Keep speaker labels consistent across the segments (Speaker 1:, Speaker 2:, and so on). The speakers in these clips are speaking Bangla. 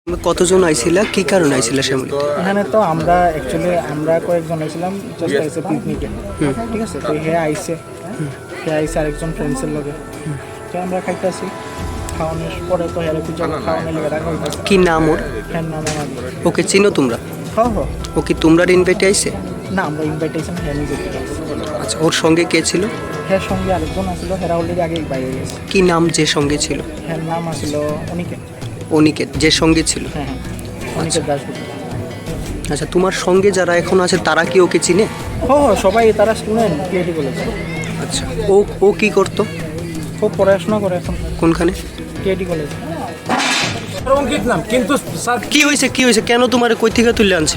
Speaker 1: কতজন আইছিলা, কি কারণে আইছিলা শ্যামলী?
Speaker 2: এখানে তো আমরা কয়েকজন আইছিলাম জাস্ট আইছে পিকনিকে, ঠিক আছে। তো হে আইছে আরেকজন ফ্রেন্ডসের লগে, তো আমরা খাইতেছি। খাওয়ানোর পরে তো হেরে কিছু খাওয়ানোর লেগে রাখা হইতেছে।
Speaker 1: কি নাম ওর?
Speaker 2: হ্যাঁ, নাম আমার।
Speaker 1: ওকে চিনো তোমরা?
Speaker 2: হ্যাঁ।
Speaker 1: ও কি তোমরা ইনভাইটে আইছে?
Speaker 2: না, আমরা ইনভাইটেশন হ্যাঁ নিজে।
Speaker 1: আচ্ছা, ওর সঙ্গে কে ছিল?
Speaker 2: হ্যাঁ, সঙ্গে আরেকজন আসলো, হেরা অলরেডি আগে বাইরে গেছে।
Speaker 1: কি নাম যে সঙ্গে ছিল?
Speaker 2: হ্যাঁ, নাম আসলো অনিকেত।
Speaker 1: অনিকেত যে সঙ্গে ছিল?
Speaker 2: হ্যাঁ, অনিকেত দাসগুপ্ত।
Speaker 1: আচ্ছা, তোমার সঙ্গে যারা এখন আছে তারা কি ওকে চিনে?
Speaker 2: সবাই তারা স্টুডেন্ট পিএইচডি কলেজে।
Speaker 1: আচ্ছা, ও কি করতো?
Speaker 2: ও পড়াশোনা করে এখন।
Speaker 1: কোনখানে?
Speaker 2: পিএইচডি কলেজে।
Speaker 3: অঙ্কিত নাম, কিন্তু স্যার
Speaker 1: কি হয়েছে কেন তোমার কই থেকে তুলে আনছে?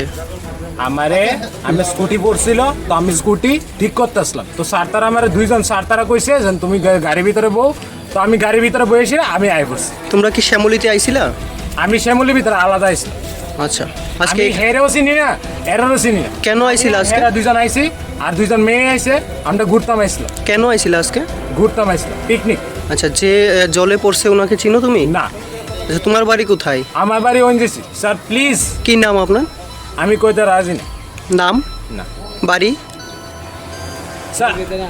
Speaker 3: আমি স্কুটি পড়ছিল, তো আমি স্কুটি ঠিক করতে আসলাম, তো স্যার তারা আমার দুইজন স্যার তারা কইছে যে তুমি গাড়ির ভিতরে বউ, তো আমি গাড়ির ভিতরে বসেছি, আমি আই পড়ছি।
Speaker 1: তোমরা কি শ্যামলীতে আইছিলা?
Speaker 3: আমি শ্যামলির ভিতরে আলাদা আইছি।
Speaker 1: আচ্ছা, আজকে
Speaker 3: আজকে হেরেও চিনি না, এরারও চিনি না।
Speaker 1: কেন আইছিলা আজকে?
Speaker 3: এরা দুজন আইছি আর দুইজন মেয়ে আইছে, আমরা ঘুরতাম আইছিলাম।
Speaker 1: কেন আইছিলা আজকে?
Speaker 3: ঘুরতাম আইছিলাম, পিকনিক।
Speaker 1: আচ্ছা, যে জলে পড়ছে ওনাকে চিনো তুমি?
Speaker 3: না,
Speaker 1: আচ্ছা, তোমার বাড়ি কোথায়?
Speaker 3: আমার বাড়ি ওনজেসি। স্যার প্লিজ,
Speaker 1: কি নাম আপনার?
Speaker 3: আমি কইতে রাজি না।
Speaker 1: নাম?
Speaker 3: না
Speaker 1: বাড়ি?
Speaker 3: স্যার,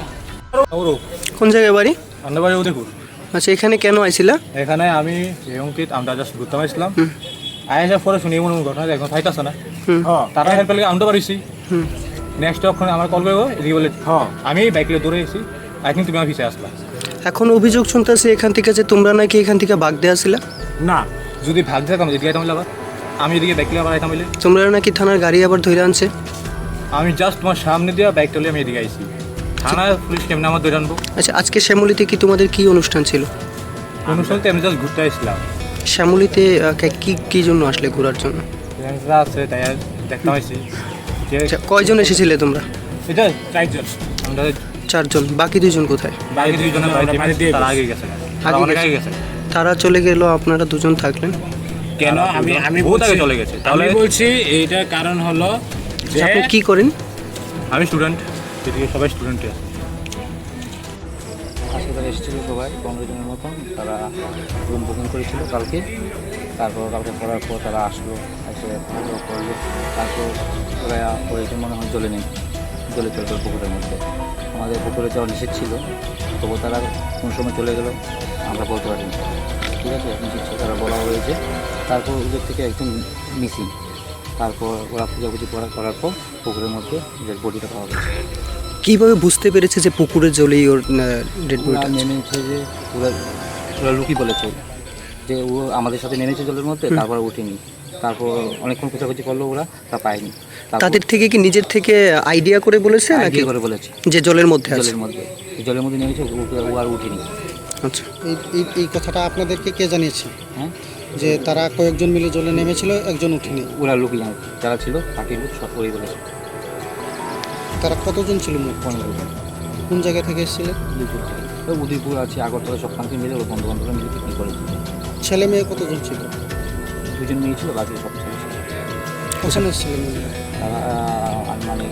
Speaker 1: কোন জায়গায় বাড়ি?
Speaker 4: আমাদের বাড়ি উদয়পুর।
Speaker 1: আচ্ছা, এখানে কেন আইছিলা?
Speaker 4: এখানে আমি অঙ্কিত আমরা জাস্ট ঘুরতে আসলাম। আইসার পরে শুনি এমন ঘটনা একদম ফাইতাছে না। তারা হেল্প পেলে আনতে পারিছি। নেক্সট ওখানে আমার কল করবো, এদিকে বলে আমি বাইকে দৌড়ে এসেছি, আই থিঙ্ক তুমি আমার পিছিয়ে আসলা।
Speaker 1: এখন অভিযোগ শুনতেছে এখান থেকে যে তোমরা নাকি এখান থেকে ভাগ দেওয়া ছিলা।
Speaker 3: না,
Speaker 4: যদি ভাগ যেতাম এদিকে আইতাম আবার, আমি এদিকে বাইকে আবার আইতাম বলে
Speaker 1: তোমরা নাকি থানার গাড়ি আবার ধরে আনছে।
Speaker 4: আমি জাস্ট তোমার সামনে দিয়ে বাইকটা আমি এদিকে আইছি। থানার পুলিশ কেমন আমার ধরে আনবো?
Speaker 1: আচ্ছা, আজকে শ্যামলীতে কি তোমাদের কি অনুষ্ঠান ছিল?
Speaker 4: অনুষ্ঠানতে আমি জাস্ট ঘুরতে আসছিলাম।
Speaker 1: শ্যামলীতে কি জন্য আসলে? ঘোরার জন্য?
Speaker 4: ফ্রেন্ডসরা আছে তাই দেখতে পাইছি যে
Speaker 1: আচ্ছা, কয়জন এসেছিলে তোমরা?
Speaker 4: এটা চারজন, আমরা
Speaker 1: 4 জন। বাকি 2 জন কোথায়?
Speaker 4: বাকি দুইজনের বাড়িতে তারা আগে গেছে, তারা অনেক আগে গেছে।
Speaker 1: তারা চলে গেল, আপনারা 2 জন থাকলেন
Speaker 3: কেন? আমি
Speaker 4: বহুত আগে চলে গেছে।
Speaker 3: তাহলে
Speaker 4: তাহলে
Speaker 3: বলছি এইটার কারণ হলো যে
Speaker 1: আপনি কি করেন?
Speaker 4: আমি স্টুডেন্ট, এদিকে সবাই স্টুডেন্টই আছে।
Speaker 5: আজকে তারা এসেছিলো সবাই 15 জনের মতন। তারা রুম বুকিং করেছিল কালকে। কালকে করার পর তারা আসলো, এসে করলো। তারপর ওরা কয়েকজন মনে হয় জলে চলে গেল পুকুরের মধ্যে। আমাদের পুকুরে যাওয়া নিষেধ ছিল, তবু তারা কোন সময় চলে গেল আমরা বলতে পারিনি। ঠিক আছে, নিষেধ ছিল, তারা বলা হয়েছে। তারপর ওদের থেকে একজন মিসিং। তারপর ওরা পূজাপুজি করার পর পুকুরের মধ্যে ওদের বডিটা পাওয়া গেছে।
Speaker 1: কিভাবে বুঝতে পেরেছে যে পুকুরের জলেই ওর ডেড
Speaker 5: ওরা
Speaker 1: বডিটা?
Speaker 5: নেমেছে যে ওরা লুকি বলেছে যে ও আমাদের সাথে নেমেছে জলের মধ্যে, তারপর উঠেনি। তারপর অনেকক্ষণ খোঁজাখুঁজি করলো, ওরা তা পায়নি।
Speaker 1: তাদের থেকে কি নিজের থেকে আইডিয়া করে বলেছে নাকি
Speaker 5: করে বলেছে
Speaker 1: যে জলের মধ্যে আছে?
Speaker 5: জলের মধ্যে নেমেছে, ও আর উঠেনি।
Speaker 1: আচ্ছা,
Speaker 6: এই কথাটা আপনাদেরকে কে জানিয়েছে?
Speaker 5: হ্যাঁ,
Speaker 6: যে তারা কয়েকজন মিলে জলে নেমেছিল, একজন উঠেনি?
Speaker 5: ওরা লুকি জানে, যারা ছিল পার্টির লোক সব ওই বলেছে।
Speaker 6: তারা কতজন ছিল মোট?
Speaker 5: 15 জন।
Speaker 6: কোন জায়গা থেকে এসেছিলেন?
Speaker 5: উদয়পুর থেকে। ওই উদয়পুর আছে, আগরতলা, সব কান্তি মিলে ওরা বন্ধু-বান্ধবরা মিলে পিকনিক করেছে।
Speaker 6: ছেলে মেয়ে কতজন ছিল?
Speaker 5: 2 জন মেয়ে ছিল, বাকি সব ছেলে ছিল।
Speaker 6: কখন এসেছিলেন মেয়েরা?
Speaker 5: তারা মানে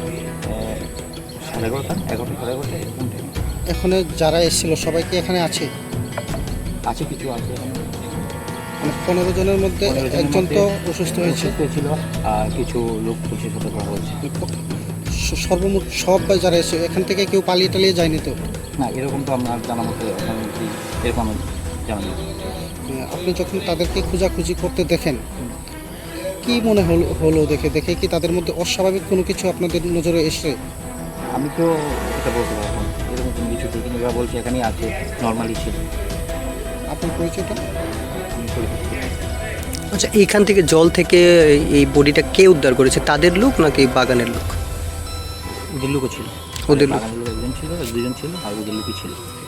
Speaker 5: 11:30 11:30 এরকম টাইম
Speaker 6: এখানে যারা এসেছিল সবাই কি এখানে আছে?
Speaker 5: আছে, কিছু আছে এখানে।
Speaker 6: মানে 15 জনের মধ্যে
Speaker 5: 15 জনের
Speaker 6: একজন
Speaker 5: মধ্যে
Speaker 6: তো অসুস্থ হয়েছে।
Speaker 5: ছিল, আর কিছু লোক পুলিশের সাথে কথা হয়েছে।
Speaker 6: সর্বমোট সব যারা এসে এখান থেকে কেউ পালিয়ে টালিয়ে যায়নি তো?
Speaker 5: না, এরকম তো আপনার জানা মতো এরকম আমি জানা নেই।
Speaker 6: আপনি যখন তাদেরকে খোঁজাখুঁজি করতে দেখেন, কি মনে হলো দেখে কি তাদের মধ্যে অস্বাভাবিক কোনো কিছু আপনাদের নজরে এসে?
Speaker 5: আমি তো এটা বলতে পারবো না, এরকম কোনো কিছু দেখিনি। ওরা বলছে এখানেই আছে, নর্মালি ছিল।
Speaker 6: আপনার পরিচয়টা?
Speaker 5: আমি পরিচিত।
Speaker 1: আচ্ছা, এইখান থেকে জল থেকে এই বডিটা কে উদ্ধার করেছে? তাদের লোক নাকি বাগানের লোক?
Speaker 5: ওদের লোকও ছিল,
Speaker 1: ওদের লোক।
Speaker 5: বাগানের লোক একজন ছিল, 2 জন ছিল, আর ওদের লোকই ছিল।